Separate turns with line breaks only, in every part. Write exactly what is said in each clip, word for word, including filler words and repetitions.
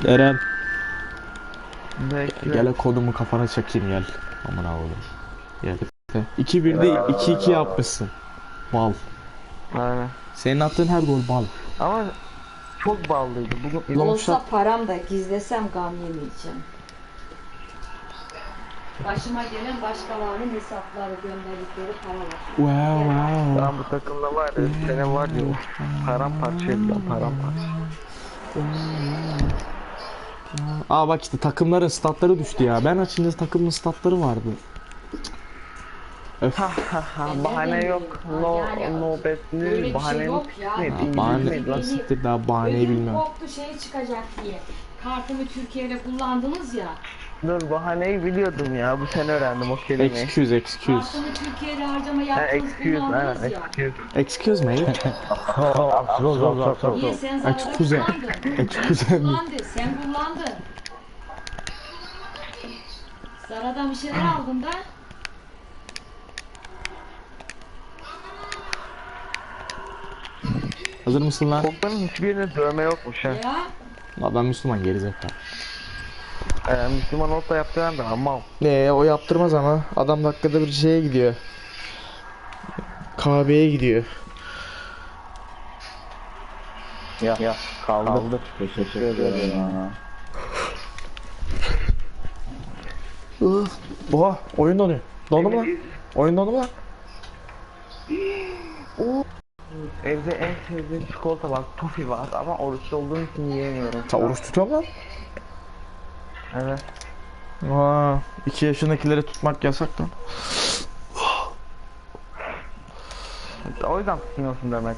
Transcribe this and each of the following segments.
Eren.
Bekle.
Gel kodumu kafana çakayım gel. Aman oğlum. Gel. iki birde iki iki yapmışsın. Bal.
Aynen.
Senin attığın her gol bal.
Ama çok ballıydı. Bugün
Olsa param da gizlesem gam yemeyeceğim. Başıma gelen başkalarının hesapları gönderdikleri paralar.
Wow wow.
ben bu takımda var ya, senin var ya, paramparça edeceğim, paramparça.
Aa bak işte takımların statları düştü ya. Ben açınca takımın statları vardı. Öf.
Ha ha ha, bahane yok. No, no bet
Böyle
ne
bir şey
bahane
yok ya.
ne?
Benim-
Bahane
İngiliz mi?
siktir daha bahaneyi
Ödüm
bilmem.
koptu şey çıkacak diye. Kartımı Türkiye'de kullandınız ya.
Dur, bahaneyi biliyordum ya. Bu sene öğrendim o kelimeyi.
Excuse excuse.
Kartımı Türkiye'de harcama
Ha,
yaptınız
excuse, ha,
kullandınız ya.
excuse.
Excuse me.
Niye sen zararda
Excuse.
kullandın?
Excuse me.
Kullandı, sen kullandın. Zaradan bir şeyler aldın da.
Hazır mısın lan?
Kokların hiçbirinde dövme yokmuş ha.
Ya.
La ben Müslüman gerizekalı.
Ee, Müslüman olup da yaptıran da mal.
Ne o yaptırmaz ama adam dakikada bir şeye gidiyor. Kahveye gidiyor.
Ya, ya kaldı. kaldı. Teşekkür ederim. Ya.
Oha oyun donuyor. Dondu mu lan? Oyun dondu mu lan?
Evde en sevdiğim çikolata var, tofi var ama oruçlu olduğum için yiyemiyorum.
Sen oruç tutuyor musun
Evet.
lan? Aa, iki yaşındakileri tutmak yasak lan.
O yüzden tutmuyorsun demek.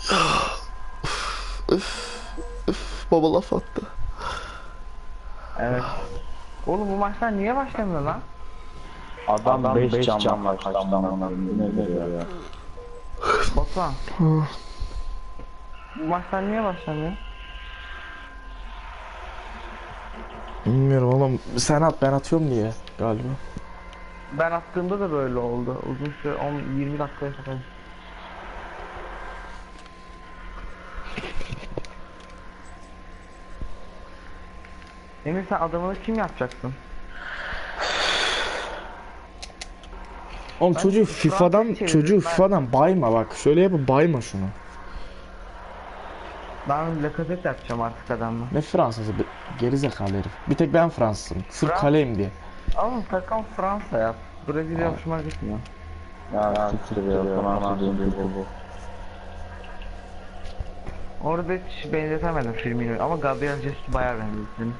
Baba laf attı.
Evet. Oğlum bu maçlar niye başlamıyor lan?
Adam beş cam var kaçtan ona. Ne diyor ya?
Batuhan. Bu maçlar niye başlamıyor?
Bilmiyorum oğlum. Sen at ben atıyorum diye galiba.
Ben attığımda da böyle oldu. Uzun süre on yirmi dakikaya kadar. Emir, sen adamını kim yapacaksın?
Oğlum
Ben
çocuğu
şu
FIFA'dan
Fransa'yı
çocuğu
çevirdim, ben-
FIFA'dan bayma bak. Şöyle yapıp bayma şunu.
Ben Lacazette yapacağım artık adamla.
Ne Fransızı be- gerizekalı herif. Bir tek ben Fransızım. Sırf
Frans-
kaleyim diye.
Ama takım Fransa yap. Brezilya hoşuma gitmiyor.
Ya siktir ya. Fransız değil bu.
Orada hiç benzetemedim Firmino'yu ama Gabriel Jesus bayağı benzettim.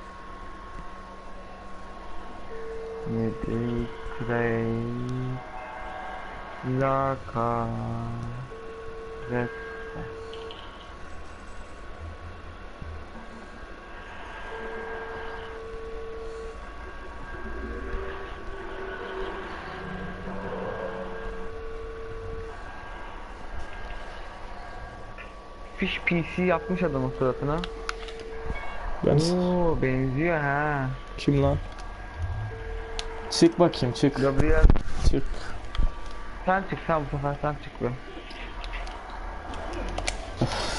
Yedi Krey Laka Red. Fish P C yapmış adamın suratına.
Ben
Oo, benziyor ha.
kim lan? Çık bakayım çık.
Gabriel,
Çık.
sen çık, sen bu sefer sen çık be.